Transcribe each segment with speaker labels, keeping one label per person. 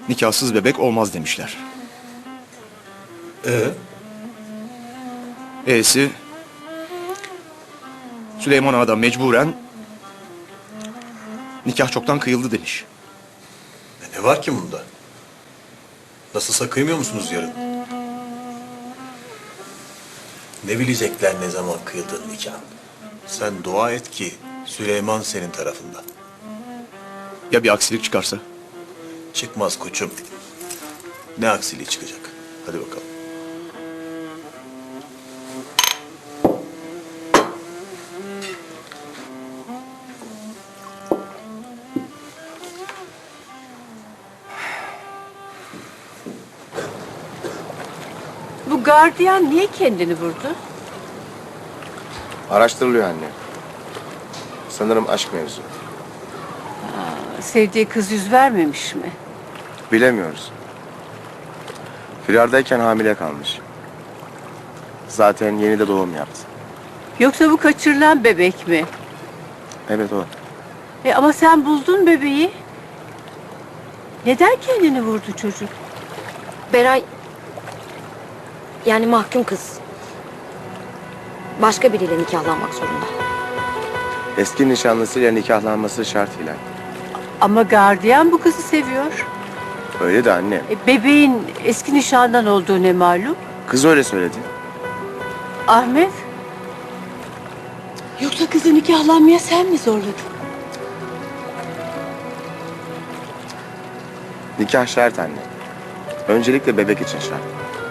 Speaker 1: nikahsız bebek olmaz demişler. E'si Süleyman Ağa da mecburen nikah çoktan kıyıldı demiş.
Speaker 2: Ne var ki bunda? Nasılsa kıymıyor musunuz yarın? Ne bilecekler ne zaman kıyıldığın nikah? Sen dua et ki Süleyman senin tarafında.
Speaker 1: Ya bir aksilik çıkarsa?
Speaker 2: Çıkmaz koçum. Ne aksiliği çıkacak? Hadi bakalım.
Speaker 3: Bu gardiyan niye kendini vurdu?
Speaker 4: Araştırılıyor anne. Sanırım aşk mevzu.
Speaker 3: Sevdiği kız yüz vermemiş mi?
Speaker 4: Bilemiyoruz. Firardayken hamile kalmış. Zaten yeni de doğum yaptı.
Speaker 3: Yoksa bu kaçırılan bebek mi?
Speaker 4: Evet o.
Speaker 3: Ama sen buldun bebeği. Neden kendini vurdu çocuk?
Speaker 5: Beray... Yani mahkum kız. Başka biriyle nikahlanmak zorunda.
Speaker 4: Eski nişanlısıyla nikahlanması şart Hilal.
Speaker 3: Ama gardiyan bu kızı seviyor.
Speaker 4: Öyle de anne.
Speaker 3: Bebeğin eski nişandan olduğu ne malum?
Speaker 4: Kız öyle söyledi.
Speaker 3: Ahmet? Yoksa kızı nikahlanmaya sen mi zorladın?
Speaker 4: Nikah şart anne. Öncelikle bebek için şart.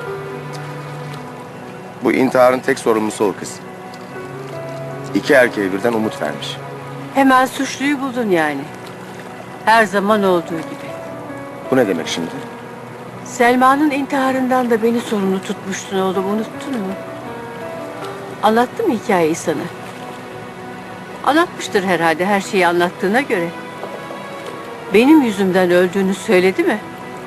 Speaker 4: Bu intiharın tek sorumlusu o kız. İki erkeğe birden umut vermiş.
Speaker 3: Hemen suçluyu buldun yani. Her zaman olduğu gibi.
Speaker 4: Bu ne demek şimdi?
Speaker 3: Selma'nın intiharından da beni sorumlu tutmuştun oğlum, unuttun mu? Anlattı mı hikayeyi sana? Anlatmıştır herhalde her şeyi anlattığına göre. Benim yüzümden öldüğünü söyledi mi?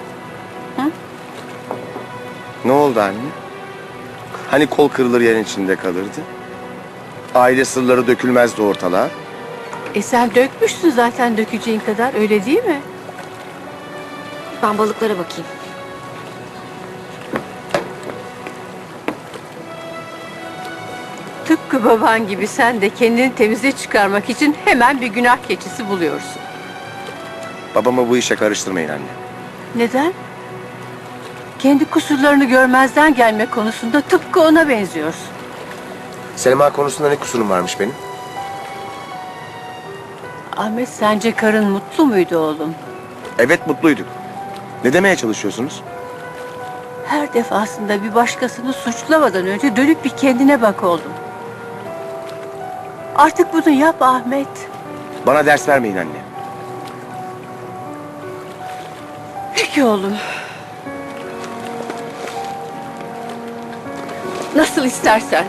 Speaker 4: Ne oldu anne? Hani kol kırılır yerin içinde kalırdı? Aile sırları dökülmezdi ortalığa.
Speaker 3: Sen dökmüşsün zaten dökeceğin kadar, öyle değil mi?
Speaker 5: Ben balıklara bakayım.
Speaker 3: Tıpkı baban gibi sen de kendini temize çıkarmak için hemen bir günah keçisi buluyorsun.
Speaker 4: Babamı bu işe karıştırmayın anne.
Speaker 3: Neden? Kendi kusurlarını görmezden gelme konusunda tıpkı ona benziyorsun.
Speaker 4: Selma konusunda ne kusurum varmış benim?
Speaker 3: Ahmet, sence karın mutlu muydu oğlum?
Speaker 4: Evet mutluyduk. Ne demeye çalışıyorsunuz?
Speaker 3: Her defasında bir başkasını suçlamadan önce dönüp bir kendine bak oğlum. Artık bunu yap Ahmet.
Speaker 4: Bana ders vermeyin anne.
Speaker 3: Peki oğlum. Nasıl istersen.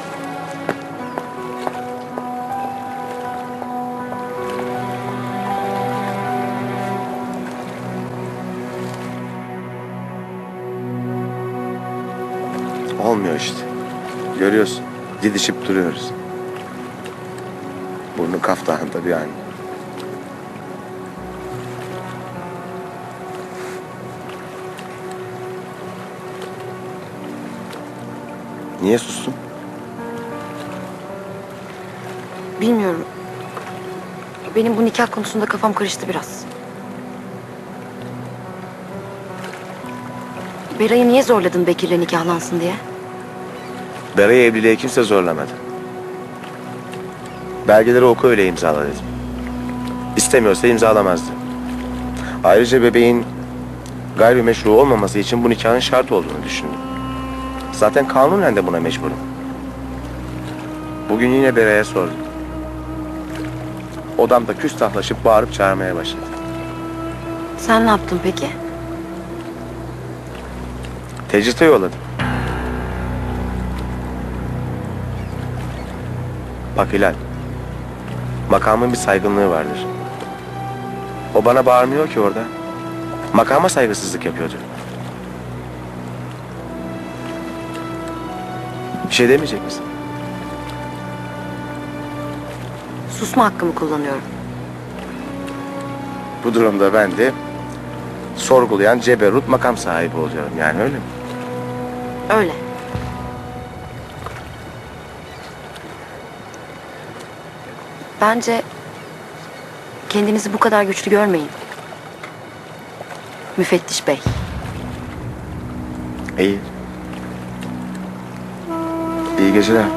Speaker 4: Olmuyor işte. Görüyorsun. Didişip duruyoruz. Burnu kaftağında bir anne. Niye sustun?
Speaker 5: Bilmiyorum. Benim bu nikah konusunda kafam karıştı biraz. Beray'ı niye zorladın Bekir'le nikahlansın diye?
Speaker 4: Bera'yı evliliğe kimse zorlamadı. Belgeleri oku öyle imzala dedim. İstemiyorsa imzalamazdı. Ayrıca bebeğin gayrimeşru olmaması için bu nikahın şart olduğunu düşündüm. Zaten kanunen de buna mecburum. Bugün yine Bera'ya sordum. Odamda küstahlaşıp bağırıp çağırmaya başladı.
Speaker 5: Sen ne yaptın peki?
Speaker 4: Tecrite yolladım. Bak Hilal, makamın bir saygınlığı vardır. O bana bağırmıyor ki orada. Makama saygısızlık yapıyordu. Bir şey demeyecek misin?
Speaker 5: Susma hakkımı kullanıyorum.
Speaker 4: Bu durumda ben de sorgulayan ceberut makam sahibi oluyorum. Yani öyle mi?
Speaker 5: Öyle. Bence kendinizi bu kadar güçlü görmeyin. Müfettiş Bey.
Speaker 4: İyi. İyi geceler.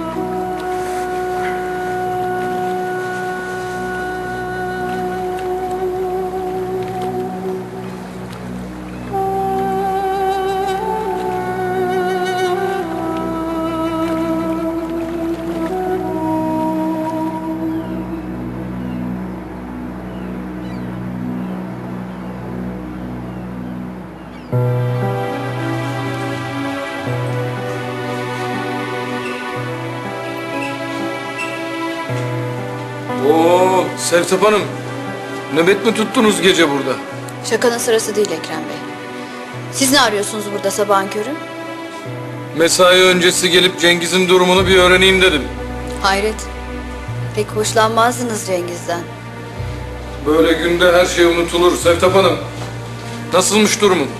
Speaker 6: Oo, Sertap Hanım. Nöbet mi tuttunuz gece burada?
Speaker 7: Şakanın sırası değil Ekrem Bey. Siz ne arıyorsunuz burada sabahın körü?
Speaker 6: Mesai öncesi gelip Cengiz'in durumunu bir öğreneyim dedim.
Speaker 7: Hayret. Pek hoşlanmazdınız Cengiz'den.
Speaker 6: Böyle günde her şey unutulur Sertap Hanım. Nasılmış durumun?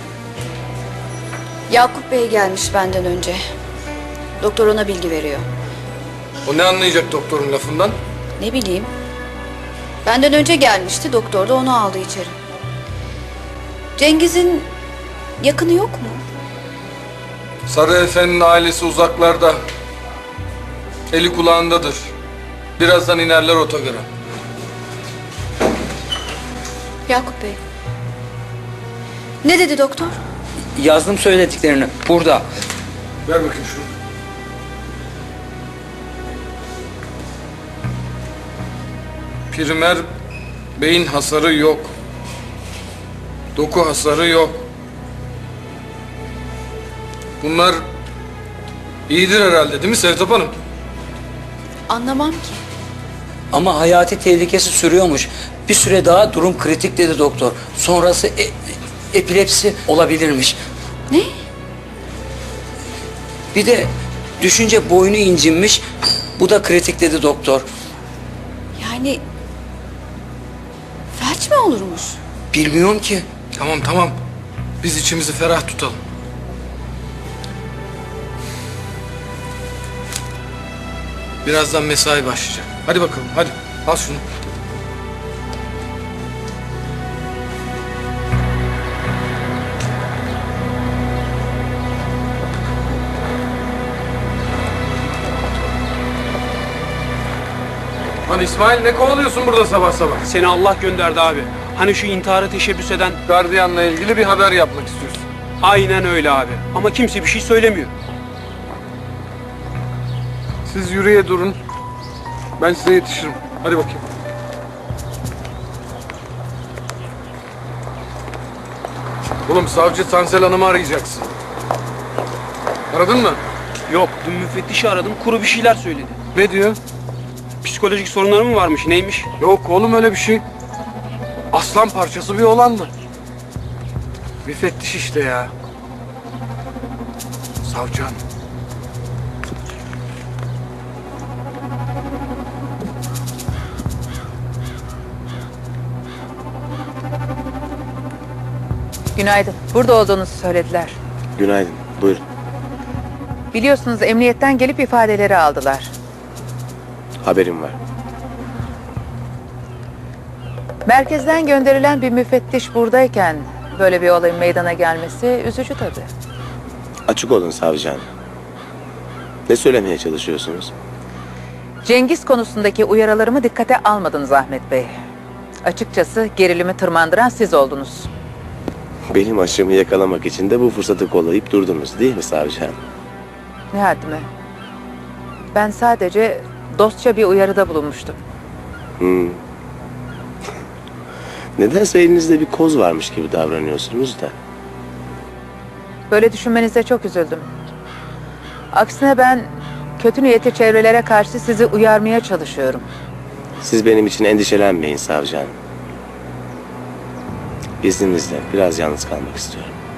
Speaker 7: Yakup Bey gelmiş benden önce. Doktor ona bilgi veriyor.
Speaker 6: O ne anlayacak doktorun lafından?
Speaker 7: Ne bileyim. Benden önce gelmişti. Doktor da onu aldı içeri. Cengiz'in yakını yok mu?
Speaker 6: Sarı Efe'nin ailesi uzaklarda. Eli kulağındadır. Birazdan inerler otogara.
Speaker 7: Yakup Bey. Ne dedi doktor?
Speaker 8: Yazdım söylediklerini. Burada.
Speaker 6: Ver bakayım şunu. Primer beyin hasarı yok. Doku hasarı yok. Bunlar iyidir herhalde değil mi Sertap Hanım?
Speaker 7: Anlamam ki.
Speaker 8: Ama hayati tehlikesi sürüyormuş. Bir süre daha durum kritik dedi doktor. Sonrası epilepsi olabilirmiş.
Speaker 7: Ne?
Speaker 8: Bir de düşünce boynu incinmiş. Bu da kritik dedi doktor.
Speaker 7: Yani felç mi olurmuş?
Speaker 8: Bilmiyorum ki.
Speaker 6: Tamam tamam. Biz içimizi ferah tutalım. Birazdan mesai başlayacak. Hadi bakalım hadi. Al şunu. Lan İsmail ne kovalıyorsun burada sabah sabah?
Speaker 9: Seni Allah gönderdi abi. Hani şu intihara teşebbüs eden...
Speaker 6: Gardiyanla ilgili bir haber yapmak istiyorsun.
Speaker 9: Aynen öyle abi. Ama kimse bir şey söylemiyor.
Speaker 6: Siz yürüye durun. Ben size yetişirim. Hadi bakayım. Oğlum savcı Tansel Hanım'ı arayacaksın. Aradın mı?
Speaker 9: Yok, dün müfettişi aradım. Kuru bir şeyler söyledi.
Speaker 6: Ne diyor?
Speaker 9: Psikolojik sorunları mı varmış, neymiş?
Speaker 6: Yok oğlum öyle bir şey. Aslan parçası bir oğlandı. Müfettiş işte ya. Savcı hanım.
Speaker 10: Günaydın. Burada olduğunuzu söylediler.
Speaker 4: Günaydın. Buyurun.
Speaker 10: Biliyorsunuz emniyetten gelip ifadeleri aldılar.
Speaker 4: Haberim var.
Speaker 10: Merkezden gönderilen bir müfettiş buradayken böyle bir olayın meydana gelmesi üzücü tabii.
Speaker 4: Açık olun savcı hanım. Ne söylemeye çalışıyorsunuz?
Speaker 10: Cengiz konusundaki uyarılarımı dikkate almadınız Ahmet Bey. Açıkçası gerilimi tırmandıran siz oldunuz.
Speaker 4: Benim aşımı yakalamak için de bu fırsatı kollayıp durdunuz değil mi savcı hanım?
Speaker 10: Ne haddime. Ben sadece dostça bir uyarıda bulunmuştum.
Speaker 4: Nedense elinizde bir koz varmış gibi davranıyorsunuz da.
Speaker 10: Böyle düşünmenize çok üzüldüm. Aksine ben kötü niyetli çevrelere karşı sizi uyarmaya çalışıyorum.
Speaker 4: Siz benim için endişelenmeyin savcı hanım. İzninizle biraz yalnız kalmak istiyorum.